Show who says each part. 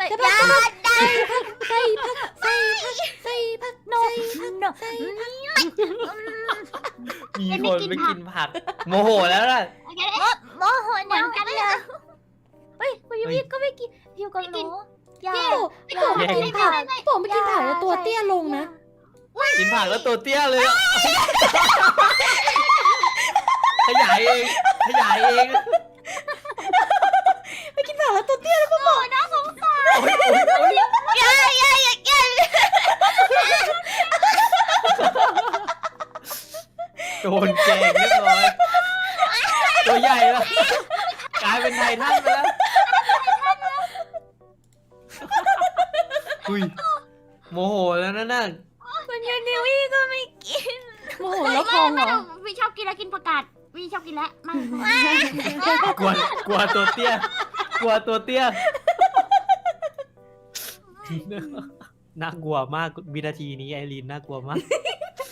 Speaker 1: ใส่ผักใส่ผักใส่ผักใส่ผักโนใส่ผัก
Speaker 2: มีคนไม่กินผักโมโหแล้วล่ะ
Speaker 3: โมโหเหมือนกันเลยเฮ้ยคุณยูมิก็ไม่กินฮิวก็รู้อย่า
Speaker 1: โป่ไม่กินผักโป่ไม่กินผักแล้วตัวเตี้ยลงนะ
Speaker 2: กินผักแล้วตัวเตี้ยเลยอะขยายเองขยายเอง
Speaker 1: ไม่กินผักแล้วตัวเตี้ยแล้วก็บอก
Speaker 3: น่าสงสาร
Speaker 2: โอ๊ยโอ๊ยโอ๊ย
Speaker 3: อย่า
Speaker 2: โดนแกงเรียบร้อยตัวใหญ่แล้วกลายเป็นไททันไปแล้วอุ้ยโมโหแล้วนั่นน่ะ
Speaker 3: คุณยูนิวี่ก็ไม่กิน
Speaker 1: โมโหแล้วพองเหรอ
Speaker 3: วีชอบกินแล้วกินผักกาดวีชอบกินแล้วไม่
Speaker 2: กลัวตัวเตี้ยกลัวตัวเตี้ยน่ากลัวมากวินาทีนี้ไอรีนน่ากลัวมาก